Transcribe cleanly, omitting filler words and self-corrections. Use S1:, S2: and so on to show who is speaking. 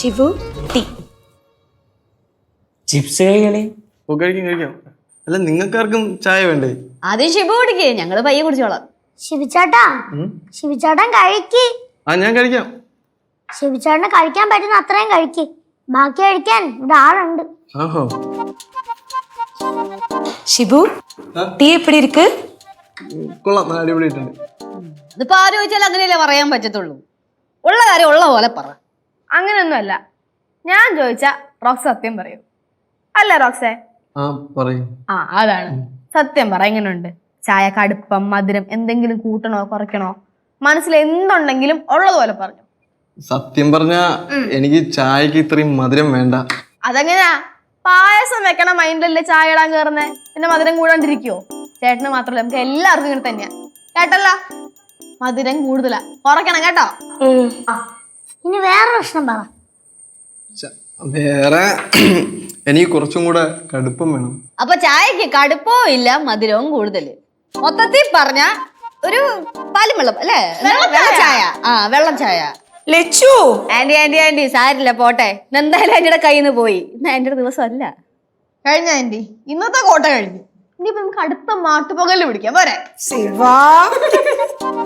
S1: Shibu tea.
S2: Chips കഴിക്കണേ.
S3: ഓ കഴിക്കാം. അല്ല നിങ്ങൾക്കാർക്കും ചായ വേണ്ടേ?
S4: ആദ്യം ഷിബു കുടിക്കേ, ഞങ്ങള് പയ്യെ കുടിച്ചോളാം.
S5: ശിവിച്ചേട്ടൻ കഴിക്ക്.
S3: ഞാൻ കഴിക്കാം.
S5: ശിവിച്ചേട്ടന് കഴിക്കാൻ പറ്റുന്ന അത്രയും കഴിക്ക്. ബാക്കി കഴിക്കാൻ ഇവിടെ ആളുണ്ട്.
S3: ആഹോ.
S1: ഷിബു ടീ എപ്പടി ഇരിക്ക്?
S3: കൊള്ളാം, അടിപൊളിയായിട്ടുണ്ട്.
S4: ഇതിപ്പോ ആര് ചോദിച്ചാലും അങ്ങനെയല്ലേ പറയാൻ പറ്റത്തുള്ളൂ. ഉള്ള കാര്യം ഉള്ള പോലെ പറ.
S6: അങ്ങനെയൊന്നുമല്ല, ഞാൻ ചോദിച്ച റോക്സ് സത്യം പറയൂ. അല്ല റോക്സേ?
S3: പറയും.
S6: അതാണ് സത്യം പറ. എങ്ങനെയുണ്ട് ചായ? കടുപ്പം, മധുരം എന്തെങ്കിലും കൂട്ടണോ കുറയ്ക്കണോ? മനസ്സിൽ എന്തുണ്ടെങ്കിലും ഉള്ളതുപോലെ പറഞ്ഞു.
S3: സത്യം പറഞ്ഞ എനിക്ക് ചായക്ക് ഇത്രയും മധുരം വേണ്ട.
S6: അതെങ്ങനെയാ? പായസം വെക്കണ മൈൻഡിലല്ലേ ചായ ഇടാൻ കയറുന്നേ, പിന്നെ മധുരം കൂടാണ്ടിരിക്കുവോ? ചേട്ടന് മാത്രമല്ല, നമുക്ക് എല്ലാവർക്കും ഇങ്ങനെ തന്നെയാ. കേട്ടല്ല, മധുരം കൂടുതലാ, കുറയ്ക്കണം കേട്ടോ.
S5: ഇനി വേറെ പ്രശ്നം പറ.
S3: വേറെ എനിക്ക് കുറച്ചും കൂടെ കടുപ്പം വേണം.
S4: അപ്പൊ ചായക്ക് കടുപ്പവും ഇല്ല, മധുരവും കൂടുതൽ. മൊത്തത്തിൽ പറഞ്ഞ ഒരു പാലും വെള്ളം അല്ലേ? വെള്ളച്ചായ. വെള്ളം ചായ.
S1: ലച്ചു
S4: ആന്റി സാരില്ല, പോട്ടെ. എന്തായാലും ആന്റിയുടെ കയ്യിൽ നിന്ന് പോയി. ഇന്ന് ആന്റിയുടെ ദിവസം അല്ല.
S6: കഴിഞ്ഞ ആന്റി, ഇന്നത്തെ കോട്ട കഴിഞ്ഞു. ഇനിയിപ്പോ നമുക്ക് അടുത്ത മാട്ടുപകല് പിടിക്കാം. പോരെ?
S1: ശിവാ